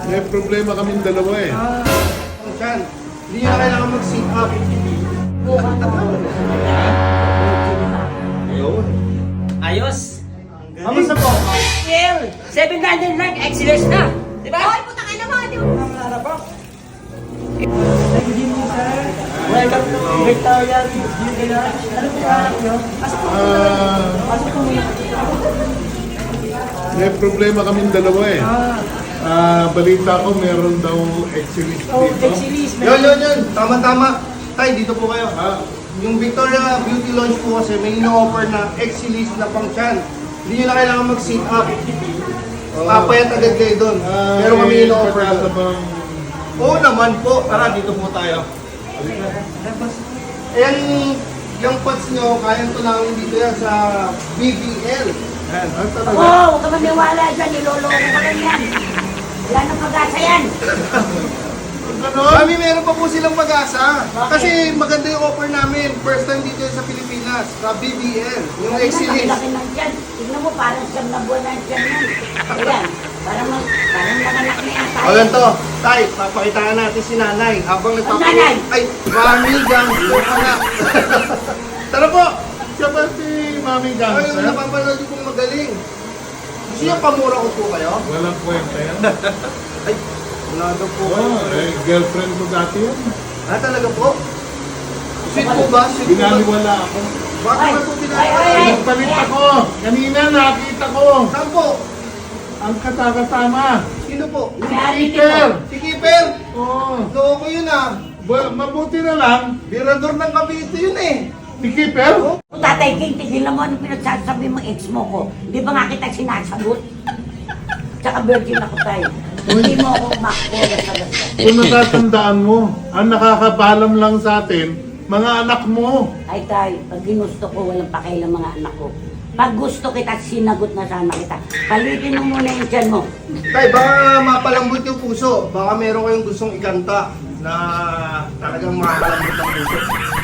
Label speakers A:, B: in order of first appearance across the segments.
A: May problema kaming dalawa eh.
B: Saan? Hindi nyo na kailangan mag-sit up. Ayun.
C: Ayos.
B: Kamusta po?
C: Well, 700 lang, excellence na. Diba?
D: Hoy, puta ka naman! Di ba?
C: Welcome to Victoria Beauty Lounge. Ano po hanap nyo? Pasok po muna.
A: May problema kaming dalawa eh. Balita ko meron daw exhibition
C: Oh,
A: dito.
C: excellence.
B: Yun. Tama-tama. Tay, dito po kayo.
A: Ah,
B: Yung Victoria Beauty Lounge po kasi may ino-offer na exilis na pang-chan. Hindi nyo na kailangan mag-sit up. Papayat agad kayo doon. Pero kami ino-offer
A: sa
B: doon.
A: bang...
B: Oo naman po. Tara, dito po tayo. Ayan, yung pots nyo, kaya ito lang dito yan sa BBL. Ayan.
A: Ah, talaga?
D: Oo, huwag ka maniwala dyan. Niloloko ka lang yan. Wala nang pag-asa yan.
A: Ganon?
B: Kami meron pa po silang pag-asa. Kasi maganda yung offer namin. First time dito sa Pilipinas, sa BBL. Yung exilis.
D: Laki ng tiyan. Tignan mo, parang siyam na buwan ng tiyan yan. Ayan, parang nanganak na yan tayo.
B: O ganito, Tay, papakitaan natin si nanay habang
D: Nanay!
B: Ay, mami, gangster ka na. Tara po!
A: Siya ba si Mami
B: Ay, yung
A: Gangster?
B: napapanood yung pong magaling. Gusto niyo pamura ko po kayo?
A: Walang kwenta yan.
B: Ay, wala daw po kayo.
A: Oh, eh, girlfriend ko dati yun.
B: Ah, talaga po? Sweet po ba? Sweet po ba?
A: Binaliwala ako.
B: Bakit
D: Ay,
B: ba po
D: ay,
B: pinagawa?
D: ay.
A: Nagpalit ako. Kanina nakita ko.
B: Saan po?
A: Ang katakatama.
B: Sino po?
A: Peter!
B: Si Keeper!
A: Oo.
B: Loko yun ah.
A: Mabuti na lang.
B: Birador ng Cavite yun eh.
A: Si Keeper?
D: Tatay King, tigilan mo ano pinagsasabi mo ex mo ko. Di ba nga kita sinasagot? Tsaka virgin ako tayo. Hindi mo ako makko sa basta.
A: Kung natatandaan mo, ang nakakabalam lang sa atin, mga anak mo.
D: Ay tayo, pag ginusto ko, walang pakialam mga anak ko. Pag gusto kita, sinagot na sana kita. Palitin mo muna yung tiyan mo.
B: Tay, baka mapalambot yung puso. Baka meron kayong gustong ikanta na talagang mapalambot ang puso.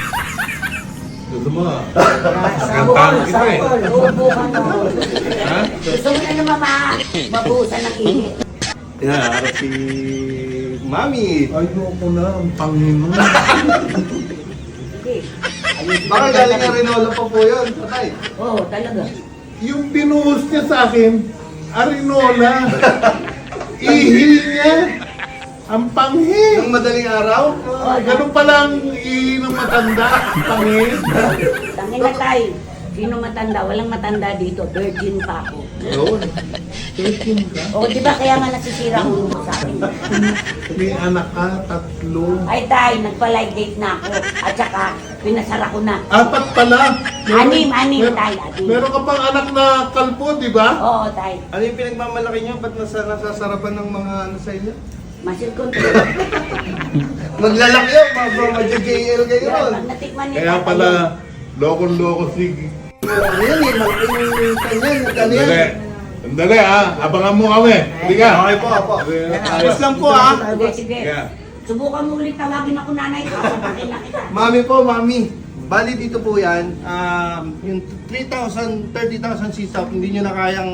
A: Gusto mo ah.
D: Sabol, sabol, ubo ka na.
A: Ha?
D: Gusto mo na naman mabuhusan ng init.
B: Yan, harap si Mami.
A: Ayoko na, ang pangin mo.
D: Sige.
B: Baka galing na Rinola pa po yun, Tay.
D: Oo, talaga.
A: Yung binuhos niya sa akin, arinola. Ihi niya. Ang panghi.
B: Yung madaling araw,
A: Ganun palang ihi ng matanda. Ang panghi.
D: Tangin na tayo. Sino matanda? Walang matanda dito. Virgin pa ako.
A: Yun. Tekin ka.
D: O, di ba kaya nga nasisira ulo mo sa akin?
A: May anak ka, tatlo.
D: Ay, tayo, nagpa-live date na ako. At saka, pinasara ko na.
A: Apat pala.
D: Anim,
A: Mer-
D: tayo, anim.
A: Meron ka pang anak na kalpo, di ba?
D: Oo, tayo.
B: ano yung pinagmamalaki nyo? Ba't nasasarapan ng mga ano sa inyo?
D: Muscle control.
B: Maglalaki yun, mag-JL kayo ron.
D: Pag natikman niya,
A: Kaya pala, lokon-loko sige.
B: Ano yan eh, malaki yung kanyan, nagkano yan.
A: Sandali. Sandali ha. Abangan mo kami. Hindi ka.
B: Okay po, apo.
A: Okay.
B: Tapos lang po ah.
D: Sige, sige.
A: Yeah.
D: Subukan mo ulit tawagin ako nanay ko. Sasakin na kita.
B: Mami po, mami. Bali dito po yan, yung 3,000, 30,000 sit-up, hindi nyo na kayang,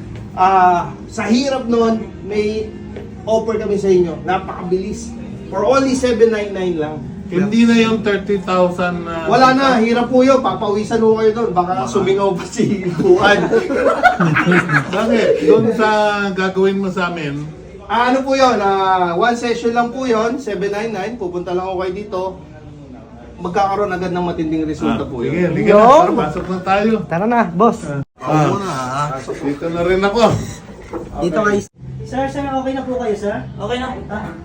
B: sa hirap nun, may offer kami sa inyo. Napakabilis. For only 799 lang.
A: Hindi na yung 30,000 na...
B: Wala na, hirap po yun. Papawisan mo kayo doon. Baka sumingaw pa si Buwan.
A: Bakit? Doon sa gagawin mo sa amin,
B: Ano po yun? One session lang po yun, 799. Pupunta lang ako kayo dito. Magkakaroon agad ng matinding resulta po
A: sige,
B: yun.
A: liga na. Tara, pasok na tayo.
E: Tara na, boss.
A: Dito na rin ako.
E: Dito kayo. Sir, okay na po kayo, sir?
C: Okay na.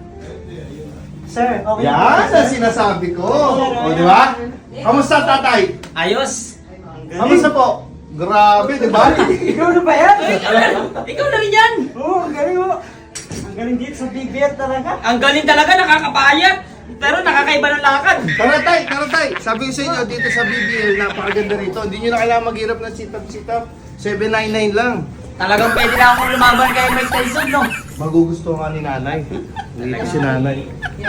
E: Sir, okay na po
B: Yan
E: kayo,
B: ang
E: sir?
B: sinasabi ko. O, di ba? Kamusta, tatay?
C: Ayos.
B: Kamusta po? Grabe, di ba?
E: Ikaw na ba yan?
C: Ikaw na rin yan.
E: Oo, ang galing mo. Ang galing dito sa BBL talaga.
C: Ang galing talaga, nakakapayat. Pero nakakaiba ng lakad.
B: Tara tay. Sabi ko sa inyo, dito sa BBL, napakaganda rito. Hindi nyo na kailangan maghirap ng sit-up. 799 lang.
C: Talagang pwede na akong lumaban kay Mike Tyson, no?
B: Magugustuhan ka ni nanay. Hindi si nanay.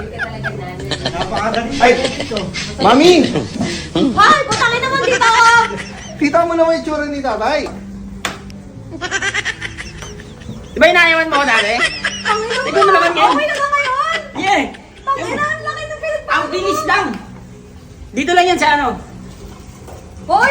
E: Napakagaling
B: Ay!
E: dito.
B: Mami!
D: Hoy, putangin naman dito ako!
B: Kita mo naman yung tsura ni tatay.
C: Di ba inayawan mo ako dati? Tignan mo naman ngayon.
F: Okay na nga ngayon.
C: Yeah.
F: Tangina, ang laki ng pinagbago.
C: Ang bilis lang. Dito lang yan sa ano?
F: Hoy!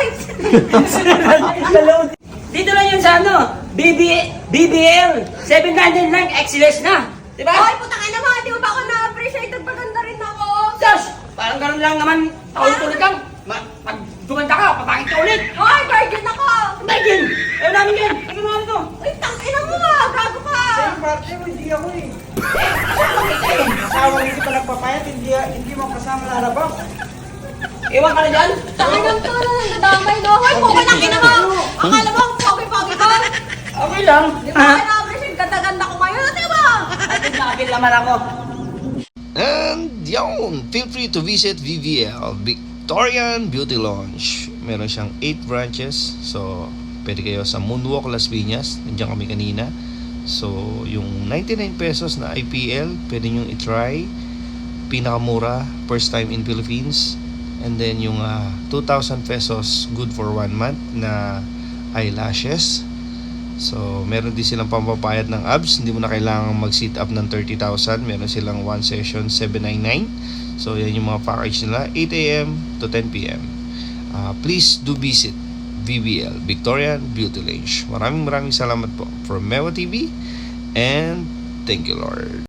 C: Dito lang yun sa ano? BBL 799 XLS na. Di ba?
F: Hoy, putang ina mo, di mo ba ako na-appreciate? Nagpaganda rin ako.
C: Josh! Parang ganun lang naman. Paulit-ulit lang. Pag dumanda ka, papakit ka ulit.
F: Hoy, virgin ako.
C: Imagine! Ayaw namin yan. Ano naman ito?
F: Uy, tangina mo ah, gago ka.
E: Sa'yo parte mo, hindi ako eh. Asawa hindi pa nagpapayat, hindi mo kasama lalabas.
C: Iwan ka na dyan.
F: Tanginang ka na nadamay, no? Hoy, pukulaki na mo. Akala mo, ang pogi-pogi ka.
C: Okay lang.
F: Di ba ako na-appreciate? Ganda-ganda ko ngayon, di ba?
C: At naglabil naman ako.
B: And yun, feel free to visit VVL, Victorian Beauty Lounge. Meron siyang 8 branches. So, pwede kayo sa Moonwalk Las Piñas. Nandiyan kami kanina. So, yung 99 pesos na IPL, pwede nyo i-try. Pinakamura, first time in Philippines. And then yung 2,000 pesos, good for 1 month na eyelashes. So, meron din silang pampapayat ng abs. Hindi mo na kailangan mag-sit up ng 30,000. Meron silang 1 session, 799. So, yan yung mga package nila. 8 a.m. to 10 p.m. Please do visit VBL, Victorian Beauty Lounge. Maraming salamat po from Mewa TV. And thank you, Lord.